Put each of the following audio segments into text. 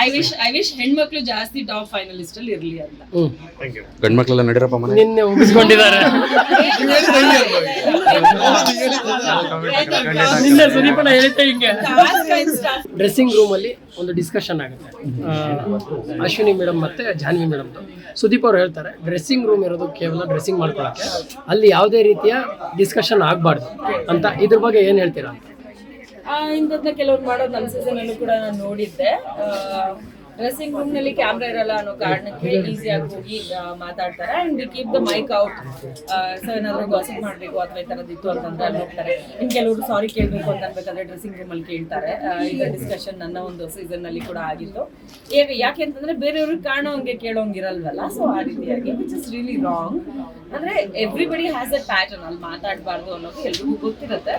I wish ಹೆಣ್ಮಕ್ಳು ಜಾಸ್ತಿ top finalist ಅಲ್ಲಿ ಇರ್ಲಿ ಅಂತ. ಗಂಡ್ಮಕ್ಳೆಲ್ಲ ನಡಿರಪ್ಪ ಮನೆ ನಿನ್ನೆ ಉಗಿಸ್ಕೊಂಡಿದ್ದಾರೆ. ನಿನ್ನೆ ಸುದೀಪಣ್ಣ ಹೇಳಿದ್ದೆ ಹಿಂಗೆ. ಡ್ರೆಸ್ಸಿಂಗ್ ರೂಮ್ ಅಲ್ಲಿ ಒಂದು ಡಿಸ್ಕಷನ್ ಆಗುತ್ತೆ, ಅಶ್ವಿನಿ ಮೇಡಮ್ ಮತ್ತೆ ಜಾನ್ವಿ ಮೇಡಮ್ದು. ಸುದೀಪ್ ಅವ್ರು ಹೇಳ್ತಾರೆ ಡ್ರೆಸ್ಸಿಂಗ್ ರೂಮ್ ಇರೋದು ಕೇವಲ ಡ್ರೆಸ್ಸಿಂಗ್ ಮಾಡ್ಕೊಳಕ್ಕೆ, ಅಲ್ಲಿ ಯಾವುದೇ ರೀತಿಯ ಡಿಸ್ಕಷನ್ ಆಗಬಾರ್ದು ಅಂತ. ಇದ್ರ ಬಗ್ಗೆ ಏನು ಹೇಳ್ತೀರಾ? ಇಂಥದ್ನ ಕೆಲವ್ರು ಮಾಡೋದು ನಮ್ಮ ಸೀಸನ್ ಅಲ್ಲೂ ಕೂಡ ನಾನು ನೋಡಿದ್ದೆ. ಡ್ರೆಸ್ಸಿಂಗ್ ರೂಮ್ ನಲ್ಲಿ ಕ್ಯಾಮ್ರಾ ಇರಲ್ಲ ಅನ್ನೋ ಕಾರಣಕ್ಕೆ ಈಸಿಯಾಗಿ ಹೋಗಿ ಮಾತಾಡ್ತಾರೆ and we keep the mic out. So ಏನಾದ್ರು ಗಾಸಿಪ್ ಮಾಡ್ಬೇಕು ಅಥವಾ ಈ ತರದಿತ್ತು ಅಂತಂದ್ರೆ ಅಲ್ಲಿ ಹೋಗ್ತಾರೆ. ಇನ್ ಕೆಲವರು ಸಾರಿ ಕೇಳ್ಬೇಕು ಅಂತ ಅನ್ಬೇಕಾದ್ರೆ ಡ್ರೆಸ್ಸಿಂಗ್ ರೂಮ್ ಅಲ್ಲಿ ಕೇಳ್ತಾರೆ. ಈಗ ಡಿಸ್ಕಷನ್ ನನ್ನ ಒಂದು ಸೀಸನ್ ನಲ್ಲಿ ಕೂಡ ಆಗಿತ್ತು. ಯಾಕೆ ಅಂತಂದ್ರೆ ಬೇರೆಯವ್ರಿಗೆ ಕಾಣೋಂಗೆ ಕೇಳೋಂಗಿರಲ್ವಲ್ಲ, ಸೊ ಆ ರೀತಿಯಾಗಿ ವಿಚ್ ಇಸ್ ರಿಯಲಿ ರಾಂಗ್. ಅಂದ್ರೆ ಎವ್ರಿಬಡಿ ಹ್ಯಾಸ್ ಅ ಪ್ಯಾಟರ್ನ್, ಅಲ್ಲಿ ಮಾತಾಡಬಾರ್ದು ಅನ್ನೋದು ಎಲ್ರಿಗೂ ಗೊತ್ತಿರುತ್ತೆ.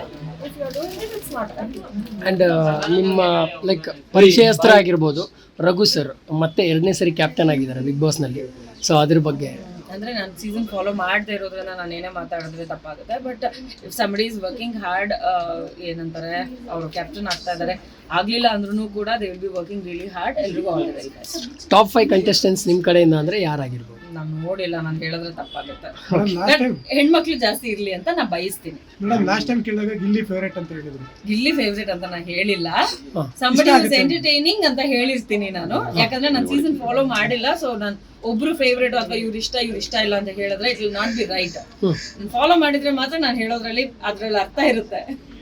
ಅಂಡ್ ನಿಮ್ಮ ಲೈಕ್ ಪರಿಚಯಸ್ತ್ರ ಆಗಿರ್ಬೋದು ರಘು ಸರ್ ಮತ್ತೆ 2ನೇ ಸರಿ ಕ್ಯಾಪ್ಟನ್ ಆಗಿದ್ದಾರೆ ಬಿಗ್ ಬಾಸ್ ನಲ್ಲಿ. ಸೊ ಅದ್ರ ಬಗ್ಗೆ ಅಂದ್ರೆ ನಾನು ಸೀಸನ್ ಫಾಲೋ ಮಾಡದೇ ಇರೋದ್ರಿಂದ ನಾನು ಏನೇ ಮಾತಾಡಿದ್ರೆ ತಪ್ಪಾಗುತ್ತೆ. But if somebody is working hard, ಏನಂತಾರೆ ಅವರು ಕ್ಯಾಪ್ಟನ್ ಆಗ್ತಾ ಇದ್ದಾರೆ, ಆಗ್ಲಿಲ್ಲ ಅಂದ್ರೂ ಕೂಡ they will be working really hard. ಎಲ್ರಿಗೂ all the very best. Top 5 contestants ನಿಮ್ ಕಡೆಯಿಂದ ಅಂದ್ರೆ ಯಾರಾಗಿರ್ಬೋದು? ನಾನು ನೋಡಿಲ್ಲ, ನಾನು ಹೇಳಿದ್ರೆ ತಪ್ಪಾಗುತ್ತೆ. ಹೆಣ್ಮಕ್ಳು ಜಾಸ್ತಿ ಇರ್ಲಿ ಅಂತ ನಾ ಬಯಸ್ತೀನಿ. ಲಾಸ್ಟ್ ಟೈಮ್ ಕೇಳಿದಾಗ ಗಿಲ್ಲಿ ಫೇವರೇಟ್ ಅಂತ ಹೇಳಿದ್ರು. ಗಿಲ್ಲಿ ಫೇವ್ರೇಟ್ ಅಂತ ನಾನು ಹೇಳಿಲ್ಲ, ಸಂಬಡಿ ಇಸ್ ಎಂಟರ್ಟೈನಿಂಗ್ ಅಂತ ಹೇಳಿರ್ತೀನಿ ನಾನು. ಯಾಕಂದ್ರೆ ನಾನು ಸೀಸನ್ ಫಾಲೋ ಮಾಡಿಲ್ಲ. ಸೊ ನಾನು ಒಬ್ರು ಫೇವ್ರೇಟ್ ಅಥವಾ ಇವ್ರು ಇಷ್ಟ ಇಲ್ಲ ಅಂತ ಹೇಳಿದ್ರೆ it will not be right. Follow ಮಾಡಿದ್ರೆ ಮಾತ್ರ ನಾನು ಹೇಳೋದ್ರಲ್ಲಿ ಅದ್ರಲ್ಲಿ ಅರ್ಥ ಇರುತ್ತೆ.